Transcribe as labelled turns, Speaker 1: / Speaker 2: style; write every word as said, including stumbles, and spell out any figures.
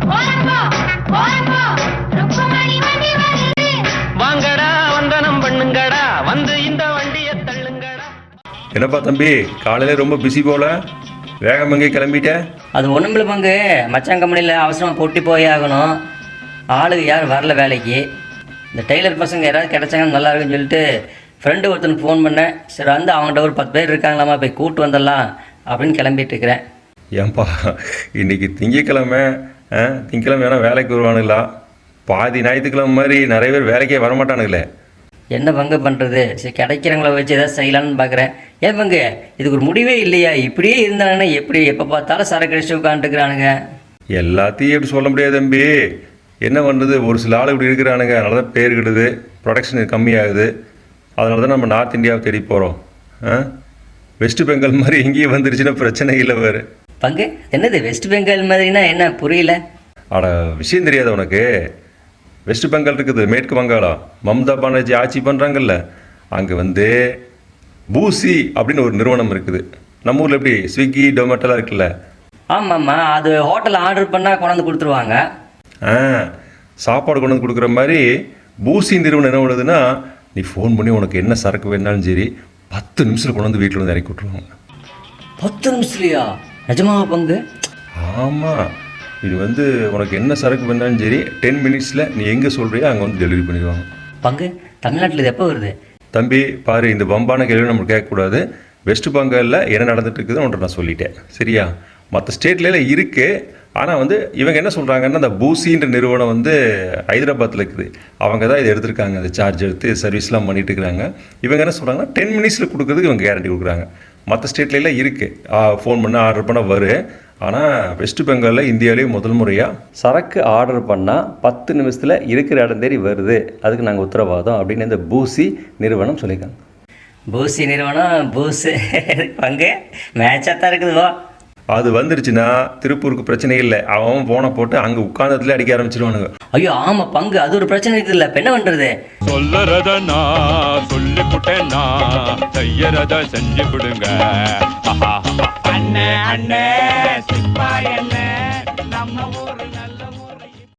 Speaker 1: வாங்கடா வந்தனம் பண்ணுங்கடா வந்து இந்த வண்டியை தள்ளுங்கடா.
Speaker 2: என்னப்பா தம்பி, காலையில ரொம்ப பிஸி போல, வேகம் எங்கே கிளம்பிட்ட?
Speaker 3: அது ஒன்றுமில்ல பங்கு, மச்சான் கம்பெனியில் அவசரமாக பொட்டி போய் ஆகணும். ஆளுக்கு யாரும் வரல வேலைக்கு. இந்த டெய்லர் பசங்க யாராவது கிடச்சாங்கன்னு நல்லா இருக்குன்னு சொல்லிட்டு ஃப்ரெண்டு ஒருத்தனுக்கு ஃபோன் பண்ணேன். சரி வந்து அவங்கள்ட்ட ஒரு பத்து பேர் இருக்காங்களாமா, போய் கூப்பிட்டு வந்துடலாம் அப்படின்னு கிளம்பிட்டு இருக்கிறேன்.
Speaker 2: ஏன்பா இன்னைக்கு திங்கக்கிழமை, திங்கக்கிழமை வேணால் வேலைக்கு வருவானுங்களா? பாதி ஞாயிற்றுக்கிழமை மாதிரி நிறைய பேர் வேலைக்கே வரமாட்டானுங்களே.
Speaker 3: என்ன பங்கு பண்ணுறது? சரி கிடைக்கிறவங்கள வச்சு எதாவது செய்யலான்னு பார்க்குறேன். ஏன் பங்கு, இதுக்கு ஒரு முடிவே இல்லையா? இப்படியே இருந்தாங்கன்னா எப்படி? எப்போ பார்த்தாலும் சரக்கு அடிச்சு உட்காந்துக்கிறானுங்க.
Speaker 2: எல்லாத்தையும் எப்படி சொல்ல முடியாது தம்பி. என்ன பண்ணுறது, ஒரு சில ஆள் இப்படி இருக்கிறானுங்க. அதனால தான் பேர் கிடுது, ப்ரொடக்ஷன் கம்மியாகுது. அதனால தான் நம்ம நார்த் இந்தியாவை தேடி போகிறோம். வெஸ்ட் பெங்கால் மாதிரி எங்கேயும் வந்துருச்சுன்னா பிரச்சனை இல்லை வேறு.
Speaker 3: பங்கு என்னது வெஸ்ட் பெங்கால் மாதிரினா என்ன புரியல?
Speaker 2: அட விஷயம் தெரியாது உனக்கு? வெஸ்ட் பெங்கால் இருக்குது, மேற்கு வங்காளம். மம்தா பானர்ஜி ஆட்சி பண்ணுறாங்கல்ல, அங்கே வந்து பூசி அப்படின்னு ஒரு நிறுவனம் இருக்குது. நம்ம ஊரில் எப்படி ஸ்விக்கி டொமேட்டோலாம் இருக்குல்ல?
Speaker 3: ஆமாம்மா, அது ஹோட்டலில் ஆர்டர் பண்ணால் கொண்டாந்து கொடுத்துருவாங்க.
Speaker 2: ஆ, சாப்பாடு கொண்டு வந்து கொடுக்குற மாதிரி பூசி நிறுவனம் என்ன பண்ணுதுன்னா, நீ ஃபோன் பண்ணி உனக்கு என்ன சரக்கு வேணாலும் சரி பத்து நிமிஷத்தில் கொண்டு வந்து வீட்டில் வந்து இறக்கி விட்ருவாங்க.
Speaker 3: பத்து நிமிஷத்துலையா? நிஜமாக பங்கு?
Speaker 2: ஆமாம், இது வந்து உனக்கு என்ன சரக்கு வேணாலும் சரி டென் மினிட்ஸில் நீ எங்கே சொல்கிறியோ அங்கே வந்து டெலிவரி பண்ணிடுவாங்க.
Speaker 3: பங்கு தமிழ்நாட்டில் இது எப்போ வருது?
Speaker 2: தம்பி பாரு, இந்த பம்பான கேள்வி நம்ம கேட்கக்கூடாது. வெஸ்ட் பெங்காலில் என்ன நடந்துட்டு இருக்குதுன்னு உன்ட்ட நான் சொல்லிட்டேன், சரியா? மற்ற ஸ்டேட்லாம் இருக்குது. ஆனால் வந்து இவங்க என்ன சொல்கிறாங்கன்னா, அந்த பூசின்ற நிறுவனம் வந்து ஹைதராபாத்தில் இருக்குது. அவங்க தான் இதை எடுத்திருக்காங்க, அந்த சார்ஜ் எடுத்து சர்வீஸ்லாம் பண்ணிட்டு இருக்கிறாங்க. இவங்க என்ன சொல்கிறாங்கன்னா, டென் மினிட்ஸில் கொடுக்குறதுக்கு இவங்க கேரண்டி கொடுக்குறாங்க. மற்ற ஸ்டேட்லாம் இருக்குது, ஃபோன் பண்ணால் ஆர்டர் பண்ணால் வரும். ஆனால் வெஸ்ட் பெங்காலில் இந்தியாவிலேயே முதல் முறையாக சரக்கு ஆர்டர் பண்ணால் பத்து நிமிஷத்தில் இருக்கிற இடம் தேடி வருது. அதுக்கு நாங்கள் உத்தரவாதம் அப்படின்னு இந்த பூசி நிறுவனம் சொல்லியிருக்காங்க.
Speaker 3: பூசி நிறுவனம் பூசு பங்கு மேட்சாக தான் இருக்குதுவோ.
Speaker 2: அது வந்துருச்சுன்னா திருப்பூருக்கு பிரச்சனை இல்லை. அவன் போனை போட்டு அங்கே உட்கார்ந்ததுல அடிக்க ஆரம்பிச்சிருவானுங்க.
Speaker 3: ஐயோ ஆமாம் பங்கு, அது ஒரு பிரச்சனை இருக்குது இல்லை? இப்போ என்ன பண்ணுறது?
Speaker 4: சொல்லறத நான் சொல்லி புட்டேன்னா செய்யறத செஞ்சு விடுங்க. அண்ணே அண்ணே சிப்பாய் என்ன நம்ம ஊரு நல்ல